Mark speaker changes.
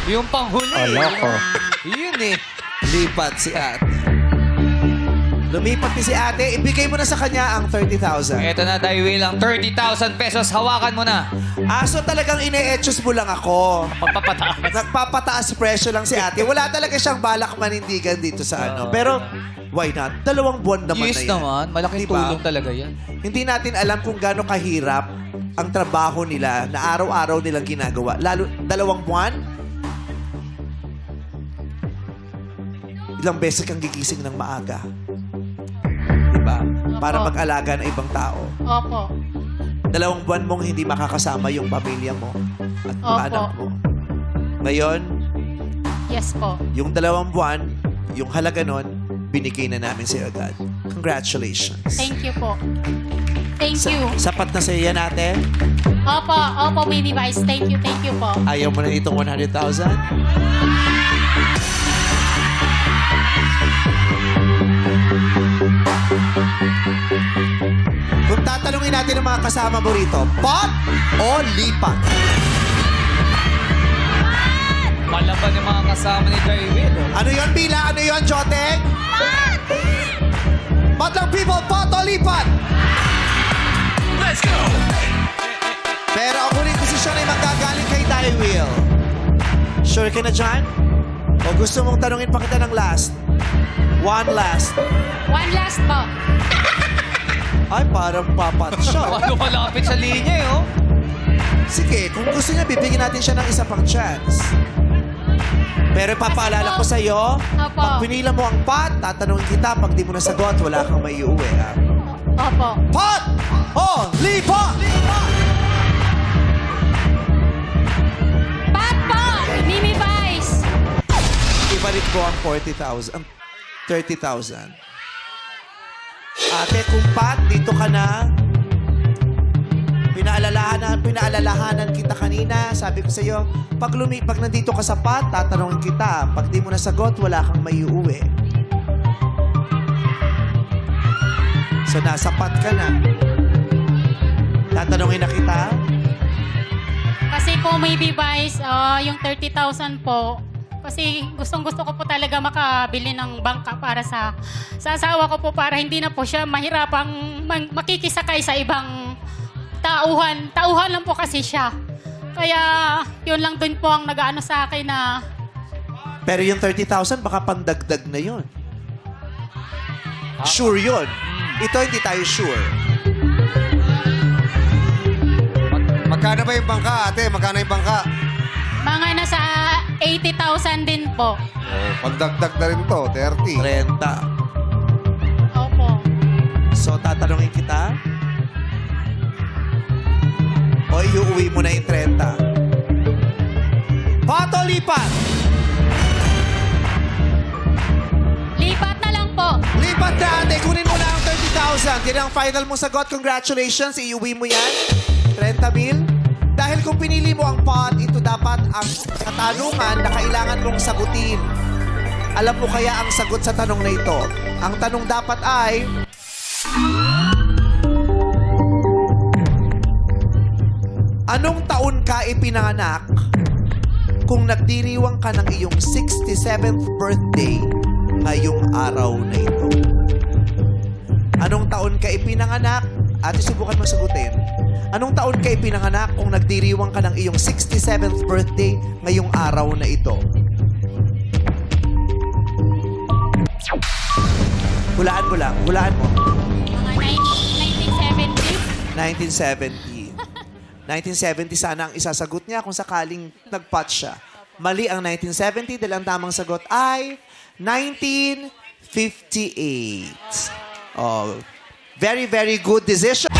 Speaker 1: Yung panghuli.
Speaker 2: Loko.
Speaker 1: Yun eh.
Speaker 3: Lipat si ate. Lumipat ni si ate. Ibigay mo na sa kanya ang 30,000.
Speaker 1: Ito na, Will, ang 30,000 pesos. Hawakan mo na.
Speaker 3: So talagang ine-etchos mo lang ako.
Speaker 1: Pagpapataas.
Speaker 3: Nagpapataas presyo lang si ate. Wala talaga siyang balak manindigan dito sa ano. Pero, why not? 2 buwan naman
Speaker 1: Yes
Speaker 3: na yan.
Speaker 1: naman. Malaking
Speaker 3: Diba?
Speaker 1: tulong talaga yan.
Speaker 3: Hindi natin alam kung gaano kahirap ang trabaho nila na araw-araw nilang ginagawa. Lalo, 2 buwan? Ilang beses kang gigising ng maaga. Diba? Para
Speaker 4: Opo.
Speaker 3: mag-alaga ng ibang tao.
Speaker 4: Opo.
Speaker 3: 2 buwan mong hindi makakasama yung pamilya mo at mga
Speaker 4: Opo.
Speaker 3: anak mo. Ngayon,
Speaker 4: Yes po.
Speaker 3: yung 2 buwan, yung halaga nun, binigay na namin sa'yo agad. Congratulations.
Speaker 4: Thank you po. Thank you.
Speaker 3: Sapat na sa'yo yan, ate?
Speaker 4: Opo, opo, Mini Vice. Thank you po.
Speaker 3: Ayaw mo na itong 100,000? Kung tatanungin natin ang mga kasama mo rito, pot o lipat?
Speaker 1: Malaban yung mga kasama ni Will.
Speaker 3: Ano yon Bila? Ano yon Joteng? Pot lang people, pot o lipat? Let's go! Pero ako rin desisyon ay magagaling kay Will. Sure ka na dyan? O gusto mong tanungin pa kita ng last? One last.
Speaker 4: One last po.
Speaker 3: Ay, parang papat siya.
Speaker 1: Ano malapit sa linya eh, oh.
Speaker 3: Sige, kung gusto niya, bibigyan natin siya ng isa pang chance. Pero ipapaalala ko sa'yo,
Speaker 4: Opo.
Speaker 3: pag pinila mo ang pot, tatanungin kita, pag di mo nasagot, wala kang may iuwi. Ha?
Speaker 4: Opo.
Speaker 3: Pot! O lipat!
Speaker 4: Pat po! Mini Vice!
Speaker 3: Ibalik ko ang 40,000, ang 30,000. Ate, kung pat, dito ka na. Pinaalalahanan kita kanina. Sabi ko sa'yo, pag nandito ka sa pat, tatanungin kita. Pag di mo nasagot, wala kang may uuwi. So, nasa pat ka na. Tatanungin na kita.
Speaker 4: Kasi po, Mini Vice, yung 30,000 po, kasi gustong-gusto ko po talaga makabili ng bangka para sa asawa ko po para hindi na po siya mahirapang makikisakay sa ibang tauhan. Tauhan lang po kasi siya. Kaya yun lang dun po ang nag-ano sa akin na
Speaker 3: Pero yung 30,000, baka pandagdag na yun. Sure yun. Ito, hindi tayo sure.
Speaker 2: Magkano ba yung bangka, ate? Magkano yung bangka?
Speaker 4: mga nasa 80,000 din po.
Speaker 2: Pagdagdag na rin to, 30.
Speaker 3: 30.
Speaker 4: Opo.
Speaker 3: So, tatanungin kita? O iuwi mo na yung 30? Pato, lipat!
Speaker 4: Lipat na lang po.
Speaker 3: Lipat na, ate. Kunin mo na ang 30,000. Yan ang final mong sagot. Congratulations. Iuwi mo yan. 30 mil. Dahil kung pinili mo ang pot, ito dapat ang katanungan na kailangan mong sagutin. Alam mo kaya ang sagot sa tanong na ito? Ang tanong dapat ay... Anong taon ka ipinanganak kung nagdiriwang ka ng iyong 67th birthday ngayong araw na ito? Anong taon ka ipinanganak? Ate, subukan mo sagutin. Anong taon ka ipinanganak kung nagdiriwang ka ng iyong 67th birthday ngayong araw na ito? Hulaan mo lang. Hulaan mo.
Speaker 4: Mga 1970.
Speaker 3: 1970 sana ang isasagot niya kung sakaling nagpot siya. Mali ang 1970 dahil ang tamang sagot ay 1958. Oh, very, very good decision.